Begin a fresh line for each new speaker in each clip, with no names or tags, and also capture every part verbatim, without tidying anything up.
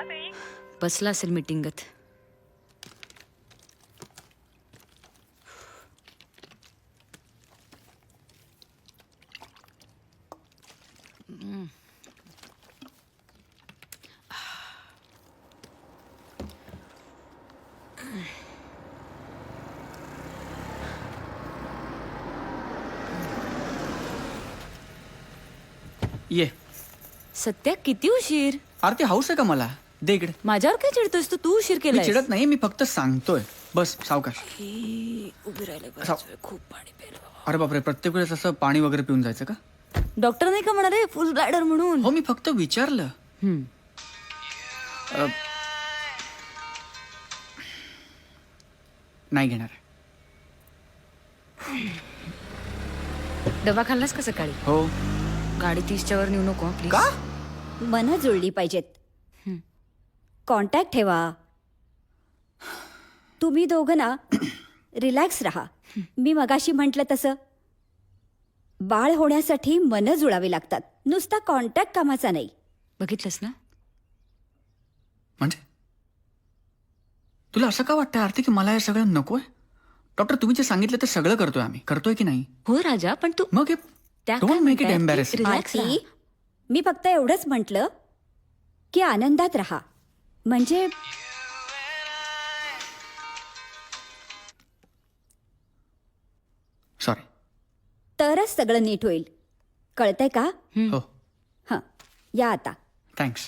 बसला असेल मीटिंगत.
ये.
सत्या किती उशीर.
आरती हाऊस आहे का मला? दे इकडे.
माझ्यावर काय चिडतोस तू? तू उशीर
मी
केलाय.
चिडत नाही, मी फक्त सांगतोय. बस सावकाश.
उभी राहिले
साव-
खूप पाणी प्यायला.
अरे बापरे, प्रत्येक वेळेस असं पाणी वगैरे पिऊन जायचं का?
डॉक्टर नाही का म्हणाले फुल ब्लॅडर म्हणून?
हो, मी फक्त विचारलं.
हम्म.
अ, नाही घेणार.
डबा खाल्लास का सकाळी?
हो.
गाडी तीसच्या वर नेऊ नको प्लीज.
का?
मनं जुळली पाहिजेत. कॉन्टॅक्ट ठेवा. तुम्ही दोघं ना रिलॅक्स राहा. मी मगाशी म्हटलं तसं बाळ होण्यासाठी मनं जुळावी लागतात. नुसता कॉन्टॅक्ट कामाचा नाही.
बघितलंस ना?
म्हणजे तुला असं का वाटतं आरती की मला हे सगळं नकोय? डॉक्टर, तुम्ही जे सांगितलं ते सगळं करतोय आम्ही. करतोय की नाही?
हो राजा, पण तू
मग
त्या
डोंट
काय
मेक इट
म्हणतायत की
एम्बॅरेसिंग.
रिलॅक्स राहा.
आरती, मी फक्त एवढंच म्हटलं की आनंदात राहा. म्हणजे
सॉरी.
तरच सगळं नीट होईल. कळतंय का?
हो,
हं, या आता.
थँक्स.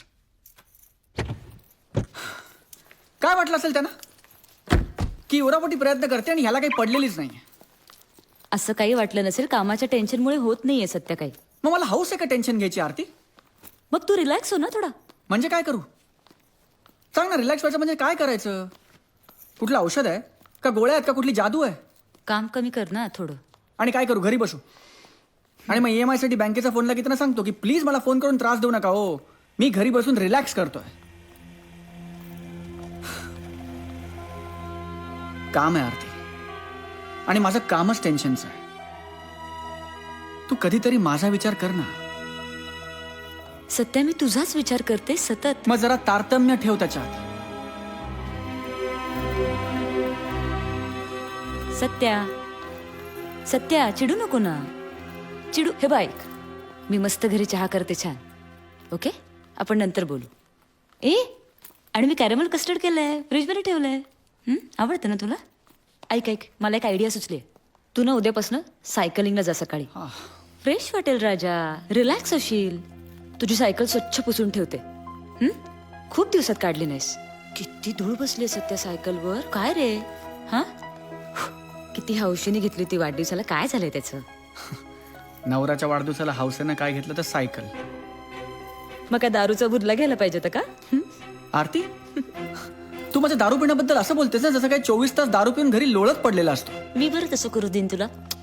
काय वाटलं असेल त्यांना की उरापोटी प्रयत्न करते आणि ह्याला काही पडलेलीच नाही?
असं काही वाटलं नसेल. कामाच्या टेन्शनमुळे होत नाहीये सत्या काही.
मग मला हाऊस आहे का टेन्शन घ्यायची आरती?
मग तू रिलॅक्स हो ना थोडा.
म्हणजे काय करू? सांग ना, रिलॅक्स व्हायचं म्हणजे काय करायचं? कुठलं औषध आहे का गोळ्या आहेत का कुठली जादू आहे?
काम कमी कर ना थोडं.
आणि काय करू? घरी बसू आणि मग ई एम आय साठी बँकेचा फोन लागेल ना, सांगतो की प्लीज मला फोन करून त्रास देऊ नका हो, मी घरी बसून रिलॅक्स करतोय. काम आहे आरती आणि माझं कामच टेन्शनचं आहे. तू कधीतरी माझा विचार कर ना.
सत्या, मी तुझाच विचार करते सतत.
मग जरा तारतम्य ठेव त्याच्यात.
सत्या सत्या चिडू नको ना. चिडू हे बाईक. मी मस्त घरी चहा करते छान. ओके, आपण नंतर बोलू. ए, आणि मी कॅरेमल कस्टर्ड केलंय, फ्रीजमध्ये ठेवलंय. हं, आवडतं ना तुला? ऐक ऐक मला एक आयडिया सुचली. तू ना उद्यापासून सायकलिंगला जा सकाळी. फ्रेश वाटेल राजा, रिलॅक्स होशील. तुझी सायकल स्वच्छ पुसून ठेवते. हं? खूप दिवसात काढली नाहीस. किती धूळ बसली सत्या सायकलवर. काय रे? हा, किती हौशीने घेतली ती वाढदिवसाला. काय झालंय त्याचं?
नवऱ्याच्या वाढदिवसाला हौसेनं काय घेतलं तर सायकल.
मग काय दारूचा बुदला घ्यायला पाहिजे होता का? हं?
आरती, तू माझ्या दारू पिण्याबद्दल असं बोलतेस ना जसं काय चोवीस तास दारू पिऊन घरी लोळत पडलेला असतो.
मी बरं तसं करू देईन तुला.